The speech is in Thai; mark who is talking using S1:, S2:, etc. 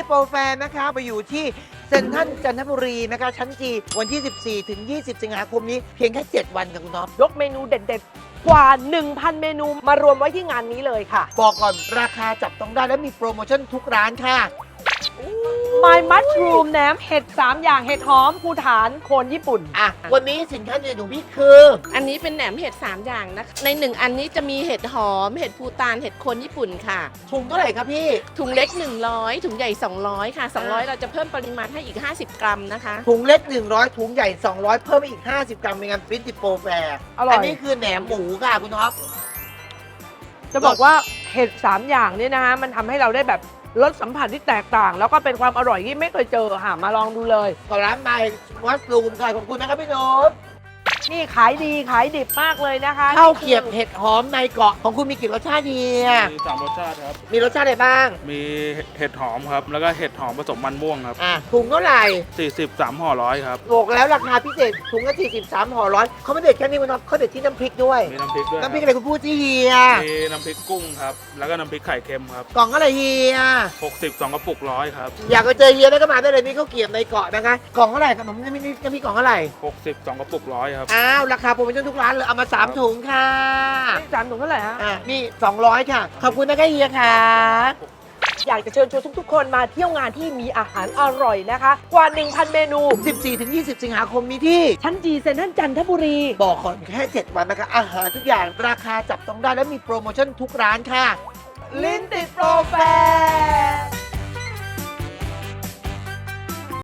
S1: โปรแฟร์นะคะไปอยู่ที่เซ็นทรัลจันทบุรีนะคะชั้นจีวันที่ 14 ถึง 20 สิงหาคมนี้เพียงแค่ 7 วันค่ะคุณน็อป
S2: ยกเมนูเด็ดๆ กว่า 1,000 เมนูมารวมไว้ที่งานนี้เลยค่ะ
S1: บอกก่อนราคาจับต้องได้และมีโปรโมชั่นทุกร้านค่ะ
S2: My Mushroom แหนมเห็ด 3 อย่างเห็ดหอมภูฐานโคนญี่ปุ่น
S1: อ่ะ วันนี้สินค้าเด่นของพี่คือ
S3: อันนี้เป็นแหนมเห็ด 3 อย่างนะคะใน 1 อันนี้จะมีเห็ดหอม เห็ดภูตาน เห็ดโคนญี่ปุ่นค่ะ
S1: ถุงเท่าไหร่ครับพี่
S3: ถุงเล็ก 100 ถุงใหญ่ 200 ค่ะ 200 เราจะเพิ่มปริมาณให้อีก 50 กรัมนะคะ
S1: ถุงเล็ก 100 ถุงใหญ่ 200 เพิ่มไปอีก 50 กรัมในงานฟิตติโปรแฟร์
S2: อร่อย
S1: นนี้คือแหนมหมูค่ะคุณท็อป
S2: จะบอกว่าเห็ด 3 อย่างเนี่ยนะฮะมันทำให้เราได้แบบรสสัมผัสที่แตกต่าง แล้วก็เป็นความอร่อยที่ไม่เคยเจอค่ะมาลองดูเลย
S1: กับร้านไมค์วัสลูมค่ะขอบคุณนะครับพี่นุช
S2: นี่ขายดีขายดิบมากเลยนะคะ
S1: ข้าวเกรียบเห็ดหอมในเกาะของคุณมีกี่รสชาติดีอ่ะ
S4: มี3รสชาติครับ
S1: มีรสชาติอะไรบ้าง
S4: มีเห็ดหอมครับ แล้วก็เห็ดหอมผสมมันม่วงครับ
S1: อ่ะถุงเท่าไหร่
S4: 40 3ห่อร้อยครับ
S1: บอกแล้วราคาพิเศษถุงละ43ห่อร้อยเขาไม่เด็ดแค่นี้คุณท็อปเขาเด็ดที่น้ำพริกด้วย
S4: มีน้ำพริกด้วยค
S1: น้ำ
S4: รับ
S1: พริกอะไรคุณพูดที่เฮีย
S4: มีน้ำพริกกุ้งครับ แล้วก็น้ำพริกไข่เค็มครับ
S1: กล่องอะไรเฮีย
S4: 60 2กระปุกร้อยครับ
S1: อยากไปเจอเฮียได้ก็มาได้เลยมีข้าวเกรียบในเกาะนะคะกล่องเท่าไหร่ขนมน้ำพริกกล่องเท่าไหร่
S4: 60 2กระปุกร้อยครับ
S1: อ้าวราคาโปรโมชั่นทุกร้านเลยเอามา3ถุงค่ะ
S2: นี่จานถุงเท่าไหร่ฮะ
S1: อ่ะนี่200ค่ะขอบคุณนะคะเฮียค่ะ
S2: อยากจะเชิญชวนทุกๆ คนมาเที่ยวงานที่มีอาหารอร่อยนะคะ กว่า 1,000 เมนู
S1: 14-20 สิงหาคมนี้ที่
S2: ชั้นจีเซ็นทรัลจันทบุรี
S1: บอกก่อนแค่ 7 วันนะคะอาหารทุกอย่างราคาจับต้องได้และมีโปรโมชั่นทุกร้านค่ะ
S2: ลิ้นติดโปรแฟร์